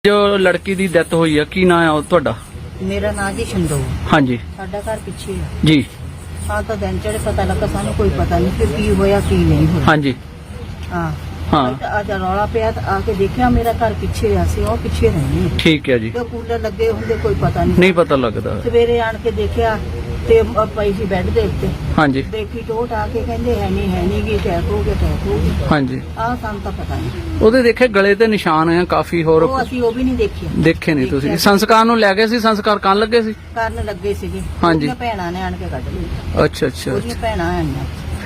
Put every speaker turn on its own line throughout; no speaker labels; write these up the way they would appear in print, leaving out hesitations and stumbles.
जो लड़की दी डेथ हुई है की नाम है ਤੁਹਾਡਾ?
मेरा नाम जी शंदो।
हाँ जी
साडा घर पिछे है
जी।
हाँ तो दिन चढ़े पता लगा सानू कोई पता नहीं कि की होया की नहीं होया।
हाँ जी
हाँ
हाँ
आज रौला पिया तो आके देखा मेरा घर पिछे है, ਅਸੀਂ ਉਹ ਪਿੱਛੇ ਰਹਿੰਦੇ ਹਾਂ।
ठीक है जी।
ਤੇ ਕੂਲਰ ਲੱਗੇ ਹੁੰਦੇ ਕੋਈ ਪਤਾ ਨਹੀਂ।
नहीं पता लगता।
ਸਵੇਰੇ ਆਣ ਕੇ ਦੇਖਿਆ ਤੇ ਪਈ ਸੀ ਬੈੱਡ ਦੇ ਉੱਤੇ।
हाँ जी
ਦੇਖੀ ਟੋਟ ਆ ਕੇ ਕਹਿੰਦੇ ਹੈ ਨਹੀਂ ਗੀ ਅਟੈਕ ਹੋ ਗਿਆ।
हाँ जी।
ਆਹ ਸਾਨੂੰ ਤਾਂ ਪਤਾ ਨਹੀਂ।
ਉਹਦੇ ਦੇਖੇ ਗਲੇ ਤੇ ਨਿਸ਼ਾਨ ਹੈ ਕਾਫੀ ਹੋਰ
ਉਹ ਅਸੀਂ ਉਹ ਵੀ ਨਹੀਂ ਦੇਖਿਆ।
ਦੇਖੇ ਨਹੀਂ ਤੁਸੀਂ? ਸੰਸਕਾਰ ਨੂੰ ਲੈ ਗਏ ਸੀ? ਸੰਸਕਾਰ ਕਰਨ ਲੱਗੇ ਸੀ?
ਕਰਨ ਲੱਗੇ ਸੀਗੇ।
ਹਾਂਜੀ।
ਉਹਦੀਆਂ ਭੈਣਾਂ ਨੇ ਆਣ ਕੇ ਕੱਢ ਲਈ।
ਅੱਛਾ ਅੱਛਾ।
ਉਹਦੀਆਂ ਭੈਣਾਂ ਆਈਆਂ।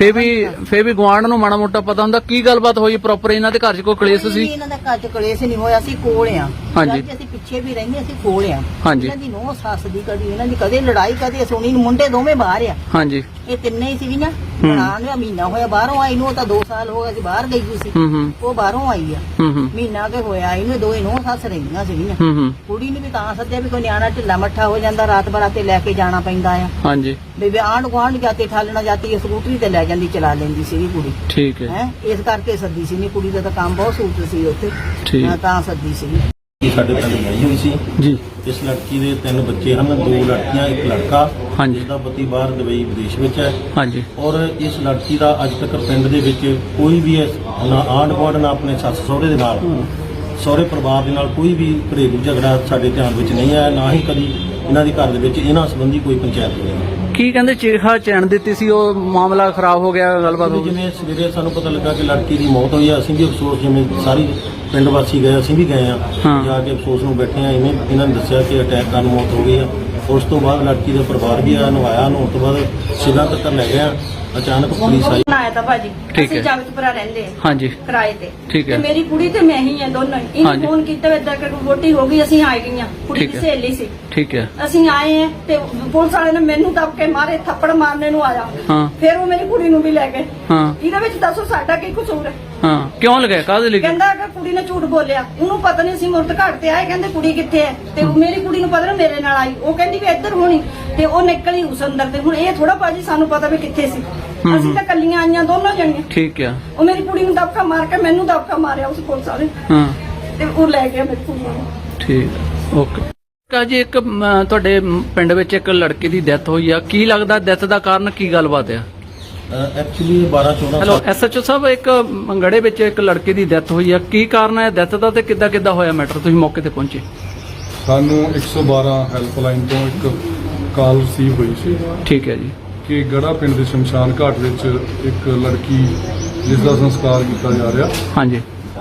ਫੇਰ ਵੀ ਗੁਆਂਢ ਨੂੰ ਮਾੜਾ ਮੋਟਾ ਪਤਾ ਹੁੰਦਾ ਕੀ ਗੱਲਬਾਤ ਹੋਈ ਪ੍ਰੋਪਰ? ਇਹਨਾਂ ਦੇ ਘਰ 'ਚ ਕੋਈ ਕਲੇਸ਼ ਸੀ?
ਇਹਨਾਂ ਦਾ ਘਰ 'ਚ ਕਲੇਸ਼ ਨਹੀਂ ਹੋਇਆ, ਅਸੀਂ ਕੋਲ ਆ।
ਹਾਂਜੀ।
ਅਸੀਂ ਪਿੱਛੇ ਵੀ ਰਹਿੰਦੇ, ਅਸੀਂ ਕੋਲ ਆ।
ਹਾਂਜੀ।
ਇਹਨਾਂ ਦੀ ਨੋਹ ਸੱਸ ਦੀ ਕਦੀ ਇਹਨਾਂ ਦੀ ਕਦੇ ਲੜਾਈ ਕਦੇ ਸੁਣੀ ਨੀ। ਮੁੰਡੇ ਦੋਵੇਂ ਬਾਹਰ ਆ।
ਹਾਂਜੀ।
ਇਹ ਤਿੰਨੇ ਹੀ ਸੀਗੀਆਂ। ਬਣਾ ਲਿਆ ਮਹੀਨਾ ਹੋਇਆ ਬਾਹਰੋਂ ਆਈ ਨੂੰ, ਉਹ ਤਾਂ 2 ਸਾਲ ਹੋ ਗਏ ਸੀ ਬਾਹਰ ਗਈ ਹੋਈ ਸੀ। ਉਹ ਬਾਹਰੋਂ ਆਈ ਆ। ਮਹੀਨਾ ਕੇ ਹੋਇਆ ਇਹਨੂੰ, ਦੋਵੇਂ ਨੋਹ ਸੱਸ ਰਹਿੰਦੀਆਂ ਸੀਗੀਆਂ। ਕੁੜੀ ਨੂੰ ਵੀ ਤਾਂ ਸੱਦਿਆ ਵੀ ਕੋਈ ਨਿਆਣਾ ਢਿੱਲਾ ਮੱਠਾ ਹੋ ਜਾਂਦਾ ਰਾਤ ਬਰਾਤੇ ਲੈ ਕੇ ਜਾਣਾ ਪੈਂਦਾ ਆ।
ਹਾਂਜੀ।
ਵੀ ਆਂਢ ਗੁਆਂਢ ਜਾਤੇ ਠਾਲਣਾ ਜਾਤੀ ਸਕੂਟਰੀ ਤੇ ਲੈ ਜਾਂਦੀ, ਚਲਾ ਲੈਂਦੀ ਸੀਗੀ ਕੁੜੀ।
ਠੀਕ ਹੈ।
ਹੈ ਇਸ ਕਰਕੇ ਸੱਦੀ ਸੀ। ਨਹੀਂ ਕੁੜੀ ਦਾ ਤਾਂ ਕੰਮ ਬਹੁਤ ਸੂਤ ਸੀ ਉੱਥੇ।
ਠੀਕ।
ਮੈਂ ਤਾਂ ਸੱਦੀ ਸੀ।
ਸਾਡੇ ਪਿੰਡ ਗਈ ਹੋਈ ਸੀ
ਜੀ।
ਇਸ ਲੜਕੀ ਦੇ 3 ਬੱਚੇ ਹਨ, 2 ਲੜਕੀਆਂ 1 ਲੜਕਾ।
ਹਾਂਜੀ।
ਜਿਸਦਾ ਪਤੀ ਬਾਹਰ ਦੁਬਈ ਵਿਦੇਸ਼ ਵਿੱਚ ਹੈ।
ਹਾਂਜੀ।
ਔਰ ਇਸ ਲੜਕੀ ਦਾ ਅੱਜ ਤੱਕ ਪਿੰਡ ਦੇ ਵਿੱਚ ਕੋਈ ਵੀ ਨਾ ਆਂਢ ਗੁਆਂਢ ਨਾ ਆਪਣੇ ਸੱਸ ਸਹੁਰੇ ਦੇ ਨਾਲ, ਸਹੁਰੇ ਪਰਿਵਾਰ ਦੇ ਨਾਲ ਕੋਈ ਵੀ ਘਰੇਲੂ ਝਗੜਾ ਸਾਡੇ ਧਿਆਨ ਵਿੱਚ ਨਹੀਂ ਆਇਆ। ਨਾ ਹੀ ਕਦੀ ਇਹਨਾਂ ਦੇ ਘਰ ਦੇ ਵਿੱਚ ਇਹਨਾਂ ਸੰਬੰਧੀ ਕੋਈ ਪੰਚਾਇਤ ਹੋਈ।
ਕੀ ਕਹਿੰਦੇ ਚਿਖਾ ਚੈਨ ਦਿੱਤੀ ਸੀ, ਉਹ ਮਾਮਲਾ ਖਰਾਬ ਹੋ ਗਿਆ, ਗੱਲਬਾਤ ਹੋ ਗਈ?
ਜਿਵੇਂ ਸਵੇਰੇ ਸਾਨੂੰ ਪਤਾ ਲੱਗਾ ਕਿ ਲੜਕੀ ਦੀ ਮੌਤ ਹੋਈ ਆ, ਅਸੀਂ ਵੀ ਅਫਸੋਸ, ਜਿਵੇਂ ਸਾਰੀ ਪਿੰਡ ਵਾਸੀ ਗਏ, ਅਸੀਂ ਵੀ ਗਏ ਆ। ਜਾ ਕੇ ਅਫਸੋਸ ਨੂੰ ਬੈਠੇ ਆ। ਇਹਨਾਂ ਨੇ ਦੱਸਿਆ ਕਿ ਅਟੈਕ ਕਾਰਨ ਮੌਤ ਹੋ ਗਈ ਆ। ਉਸ ਤੋਂ ਬਾਅਦ ਲੜਕੀ ਦਾ ਪਰਿਵਾਰ ਵੀ ਆ, ਨਵਾਇਆ ਨੂੰ। ਉਸ ਤੋਂ ਬਾਅਦ ਸਿਵਲ ਤੱਕ ਲੈ ਗਿਆ। ਅਚਾਨਕ ਪੁਲਿਸ ਆਈ।
ਆਇਆ ਤਾਂ ਭਾਜੀ
ਠੀਕ
ਅਸੀਂ
ਹੈ।
ਜਗਤਪੁਰਾ ਰਹਿੰਦੇ ਆ
ਹਾਂਜੀ।
ਕਿਰਾਏ ਤੇ।
ਠੀਕ ਹੈ।
ਤੇ ਮੇਰੀ ਕੁੜੀ ਤੇ ਮੈਂ ਹੀ ਆ, ਦੋਨੋਂ ਹੀ। ਇਹਨੇ
ਹਾਂਜੀ।
ਫੋਨ ਕੀਤਾ ਇਦਾਂ ਕਿ ਵੋਟੀ ਹੋ ਗਈ, ਅਸੀਂ ਆ ਗਈਆਂ। ਕੁੜੀ
ਠੀਕ
ਦੀ
ਹੈ।
ਸਹੇਲੀ ਸੀ।
ਠੀਕ ਹੈ।
ਅਸੀਂ ਆਏ ਆ ਤੇ ਪੁਲਿਸ ਵਾਲੇ ਨੇ ਮੈਨੂੰ ਦਬ ਕੇ ਮਾਰੇ, ਥੱਪੜ ਮਾਰਨੇ ਨੂੰ ਆਇਆ।
ਹਾਂ।
ਫਿਰ ਉਹ ਮੇਰੀ ਕੁੜੀ ਨੂੰ ਵੀ ਲੈ ਗਏ।
ਹਾਂ।
ਇਹਦੇ ਵਿੱਚ ਦੱਸੋ ਸਾਡਾ ਕੀ ਕਸੂਰ ਹੈ?
ਹਾਂ ਕਿਉਂ ਲਗਾਇਆ, ਕਾਹਦੇ ਲਈ?
ਕਹਿੰਦਾ ਕਿ ਕੁੜੀ ਨੇ ਝੂਠ ਬੋਲਿਆ, ਉਹਨੂੰ ਪਤਾ ਨਹੀਂ ਸੀ। ਮੁਰਤ ਘਾਟ ਤੇ ਆਏ, ਕਹਿੰਦੇ ਕੁੜੀ ਕਿੱਥੇ ਹੈ? ਤੇ ਉਹ ਮੇਰੀ ਕੁੜੀ ਨੂੰ ਪਤਾ ਨਾ ਮੇਰੇ ਨਾਲ ਆਈ, ਉਹ ਕਹਿੰਦੀ ਵੀ ਇੱਧਰ ਹੋਣੀ, ਤੇ ਉਹ ਨਿਕਲੀ ਉਸ ਅੰਦਰ। ਤੇ ਹੁਣ ਇਹ ਥੋੜਾ ਭਾਜੀ ਸਾਨੂੰ ਪਤਾ ਵੀ ਕਿੱਥੇ ਸੀ। ਅਸੀਂ ਤਾਂ ਕੱਲੀਆਂ ਆਈਆਂ ਦੋਨੋਂ ਜਣੀਆਂ।
ਠੀਕ ਹੈ।
ਉਹ ਮੇਰੀ ਕੁੜੀ ਨੂੰ ਦਬਕਾ ਮਾਰ ਕੇ ਮੈਨੂੰ ਦਬਕਾ ਮਾਰਿਆ ਉਸ ਪੁਲਿਸ ਵਾਲੇ।
ਹਾਂ
ਤੇ ਉਹ ਲੈ ਗਿਆ ਮੇਰੀ ਕੁੜੀ ਨੂੰ।
ਠੀਕ ਹੈ। ਓਕੇ। ਕਾਜੀ ਇੱਕ ਤੁਹਾਡੇ ਪਿੰਡ ਵਿੱਚ ਇੱਕ ਲੜਕੀ ਦੀ ਡੈਥ ਹੋਈ ਆ, ਕੀ ਲੱਗਦਾ ਡੈਥ ਦਾ ਕਾਰਨ ਕੀ ਗੱਲਬਾਤ ਆ?
ਐਕਚੁਅਲੀ 12-14
ਹੈਲੋ ਐਸਐਚਓ ਸਾਹਿਬ, ਇੱਕ ਮੰਗੜੇ ਵਿੱਚ ਇੱਕ ਲੜਕੀ ਦੀ ਡੈਥ ਹੋਈ ਆ, ਕੀ ਕਾਰਨ ਹੈ ਡੈਥ ਦਾ ਤੇ ਕਿੱਦਾਂ ਹੋਇਆ ਮੈਟਰ? ਤੁਸੀਂ ਮੌਕੇ ਤੇ ਪਹੁੰਚੇ?
ਸਾਨੂੰ 112 ਹੈਲਪਲਾਈਨ ਤੋਂ ਇੱਕ ਕਾਲ ਰਿਸੀਵ ਹੋਈ ਸੀ
ਠੀਕ ਹੈ ਜੀ
ਕਿ ਗੜਾ ਪਿੰਡ ਦੇ ਸ਼ਮਸ਼ਾਨ ਘਾਟ ਵਿੱਚ ਇੱਕ ਲੜਕੀ ਜਿਸ ਦਾ ਸੰਸਕਾਰ ਕੀਤਾ ਜਾ ਰਿਹਾ,
ਹਾਂਜੀ,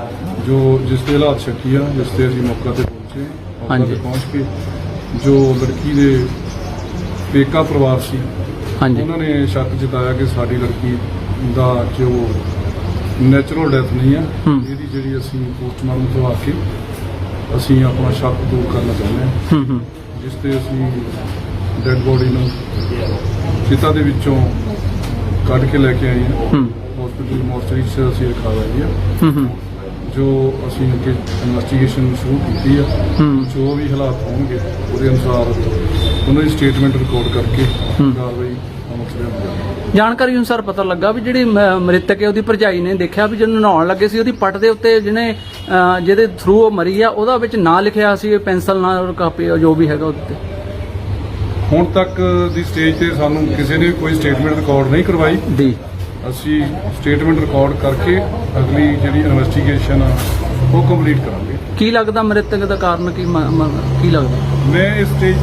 ਜਿਸ ਦੇ ਹਾਲਾਤ ਸ਼ੱਕੀ ਆ, ਜਿਸ ਤੇ ਅਸੀਂ ਮੌਕੇ ਤੇ ਪਹੁੰਚੇ। ਮੌਕੇ
ਹਾਂਜੀ।
ਤੇ ਪਹੁੰਚ ਕੇ ਜੋ ਲੜਕੀ ਦੇ ਪੇਕਾ ਪਰਿਵਾਰ ਸੀ,
ਹਾਂਜੀ,
ਉਹਨਾਂ ਨੇ ਸ਼ੱਕ ਜਤਾਇਆ ਕਿ ਸਾਡੀ ਲੜਕੀ ਦਾ ਜੋ ਨੈਚੁਰਲ ਡੈਥ ਨਹੀਂ ਆ, ਇਹਦੀ ਜਿਹੜੀ ਅਸੀਂ ਪੋਸਟਮਾਰਟਮ ਕਰਵਾ ਕੇ ਅਸੀਂ ਆਪਣਾ ਸ਼ੱਕ ਦੂਰ ਕਰਨਾ ਚਾਹੁੰਦੇ ਹਾਂ। ਜਿਸ ਤੇ ਅਸੀਂ ਡੈਡ ਬੋਡੀ ਨੂੰ ਚਿਤਾ ਦੇ ਵਿੱਚੋਂ ਕੱਢ ਕੇ ਲੈ ਕੇ ਆਏ ਹਾਂ। ਹਸਪੀਟਲ ਮੋਰਚਰੀ 'ਚ ਅਸੀਂ ਰਖਾ ਲਈ ਆ। ਜੋ ਅਸੀਂ ਅੱਗੇ ਇਨਵੈਸਟੀਗੇਸ਼ਨ ਸ਼ੁਰੂ ਕੀਤੀ ਆ, ਜੋ ਵੀ ਹਾਲਾਤ ਹੋਣਗੇ ਉਹਦੇ ਅਨੁਸਾਰ ਉਹਨਾਂ ਦੀ ਸਟੇਟਮੈਂਟ ਰਿਕਾਰਡ ਕਰਕੇ ਕਾਰਵਾਈ ਅਮਲ 'ਚ ਲਿਆਂਦੀ।
ਜਾਣਕਾਰੀ ਅਨੁਸਾਰ ਪਤਾ ਲੱਗਾ ਵੀ ਜਿਹੜੀ ਮ੍ਰਿਤਕ ਹੈ ਉਹਦੀ ਭਰਜਾਈ ਨੇ ਦੇਖਿਆ ਵੀ ਜਦੋਂ ਨਹਾਉਣ ਲੱਗੇ ਸੀ ਉਹਦੀ ਪੱਟ ਦੇ ਉੱਤੇ ਜਿਹਦੇ ਥਰੂ ਉਹ ਮਰੀ ਆ ਉਹਦਾ ਵਿੱਚ ਨਾਂ ਲਿਖਿਆ ਸੀ, ਪੈਨਸਲ ਨਾਲ ਕਾਪੀ ਜੋ ਵੀ ਹੈਗਾ ਉੱਤੇ।
ਹੁਣ ਤੱਕ ਦੀ ਸਟੇਜ ਤੇ ਸਾਨੂੰ ਕਿਸੇ ਨੇ ਕੋਈ ਸਟੇਟਮੈਂਟ ਰਿਕਾਰਡ ਨਹੀਂ ਕਰਵਾਈ
ਦੀ।
ਅਸੀਂ ਸਟੇਟਮੈਂਟ ਰਿਕਾਰਡ ਕਰਕੇ ਅਗਲੀ ਜਿਹੜੀ ਇਨਵੈਸਟੀਗੇਸ਼ਨ ਆ ਉਹ ਕੰਪਲੀਟ ਕਰਾਂਗੇ।
ਕੀ ਲੱਗਦਾ ਮ੍ਰਿਤਕ ਦਾ ਕਾਰਨ ਕੀ ਲੱਗਦਾ?
ਮੈਂ ਇਸ ਸਟੇਜ